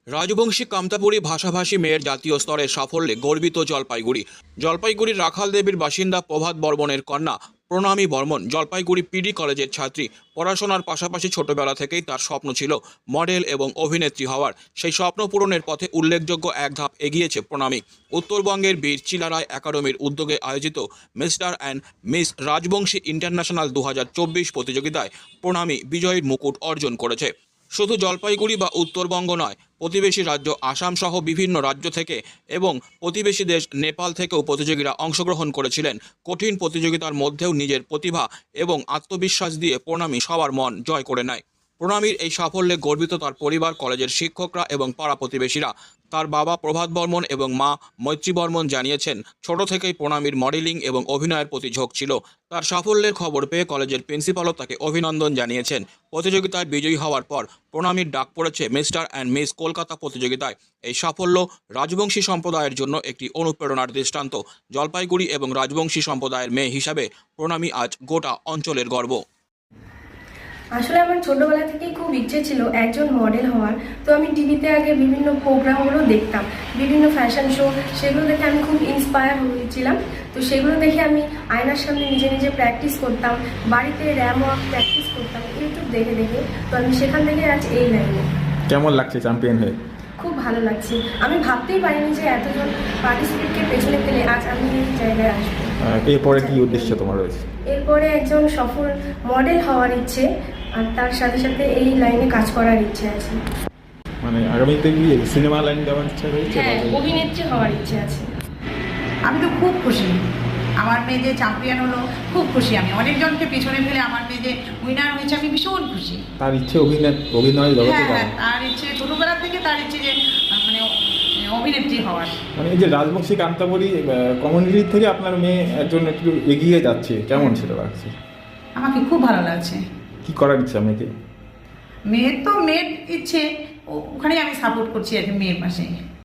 রাজবংশী কামতাপুরী ভাষাভাষী মেয়ের জাতীয় স্তরের সাফল্যে গর্বিত জলপাইগুড়ি। জলপাইগুড়ির রাখাল দেবীর বাসিন্দা প্রভাত বর্মনের কন্যা প্রণামী বর্মন জলপাইগুড়ি পিডি কলেজের ছাত্রী। পড়াশোনার পাশাপাশি ছোটবেলা থেকেই তার স্বপ্ন ছিল মডেল এবং অভিনেত্রী হওয়ার। সেই স্বপ্ন পূরণের পথে উল্লেখযোগ্য এক ধাপ এগিয়েছে প্রণামী। উত্তরবঙ্গের বীর চিলারায় একাডেমির উদ্যোগে আয়োজিত mister and miss Rajbanshi international 2024 প্রতিযোগিতায় প্রণামী বিজয়ীর মুকুট অর্জন করেছে। শুধু জলপাইগুড়ি বা উত্তরবঙ্গ নয়, প্রতিবেশী রাজ্য আসাম সহ বিভিন্ন রাজ্য থেকে এবং প্রতিবেশী দেশ নেপাল থেকেও প্রতিযোগীরা অংশগ্রহণ করেছিলেন। কঠিন প্রতিযোগিতার মধ্যেও নিজের প্রতিভা এবং আত্মবিশ্বাস দিয়ে প্রণামী সবার মন জয় করে নেয়। প্রণামীর এই সাফল্যে গর্বিত তার পরিবার, কলেজের শিক্ষকরা এবং পাড়া প্রতিবেশীরা। তার বাবা প্রভাত বর্মন এবং মা মৈত্রী বর্মন জানিয়েছেন, ছোট থেকেই প্রণামীর মডেলিং এবং অভিনয়ের প্রতি ঝোঁক ছিল। তার সাফল্যের খবর পেয়ে কলেজের প্রিন্সিপালও তাকে অভিনন্দন জানিয়েছেন। প্রতিযোগিতায় বিজয়ী হওয়ার পর প্রণামীর ডাক পড়েছে মিস্টার অ্যান্ড মিস কলকাতা প্রতিযোগিতায়। এই সাফল্য রাজবংশী সম্প্রদায়ের জন্য একটি অনুপ্রেরণার দৃষ্টান্ত। জলপাইগুড়ি এবং রাজবংশী সম্প্রদায়ের মেয়ে হিসাবে প্রণামী আজ গোটা অঞ্চলের গর্ব। আসলে আমার ছোটবেলা থেকেই খুব ইচ্ছে ছিল একজন মডেল হওয়ার। তো আমি টিভিতে আগে বিভিন্ন প্রোগ্রামগুলো দেখতাম, বিভিন্ন ফ্যাশন শো, সেগুলো দেখে আমি খুব ইন্সপায়ার হয়েছিলাম। তো সেগুলো দেখে আমি আয়নার সামনে নিজে নিজে প্র্যাকটিস করতাম, বাড়িতে র্যাম ওয়াক প্র্যাকটিস করতাম ইউটিউব দেখে দেখে। তো আমি সেখান থেকে আজ এই লাইনে। কেমন লাগছে চ্যাম্পিয়ন হয়ে? খুব ভালো লাগছে। আমি ভাবতেই পারিনি যে এতজন পার্টিসিপেটকে পেছনে ফেলে আজ আমি এই জায়গায় আসবো। এরপরে কি উদ্দেশ্য তোমার রয়েছে? এরপরে একজন সফল মডেল হওয়ার ইচ্ছে, আর তার সাথে সাথে এই লাইনে কাজ করার ইচ্ছে আছে। মানে আগামীতে কি সিনেমা লাইন দেওয়ার ইচ্ছা রয়েছে? হ্যাঁ, অভিনেত্রী হওয়ার ইচ্ছে আছে। আমি তো খুব খুশি, আমার মেয়ে যে চ্যাম্পিয়ন হলো খুব খুশি। আমি অনেকজনকে পেছনে ফেলে আমার মেয়ে যে উইনার হয়েছে, আমি ভীষণ খুশি। তার ইচ্ছে অভিনয় জগতে হ্যাঁ, যাওয়া। তার ইচ্ছে ছোটবেলা থেকে, তার ইচ্ছে যে মানে অভিনেত্রী হওয়ার। মানে এই যে রাজবংশী কান্তাবরী কমিউনিটির থেকে আপনার মেয়ে একজন একটু এগিয়ে যাচ্ছে, কেমন সেটা লাগছে? আমাকে খুব ভালো লাগছে। কি করার ইচ্ছা মেয়েকে? মেয়ের ইচ্ছে, ওখানেই আমি সাপোর্ট করছি আর কি, মেয়ের পাশে।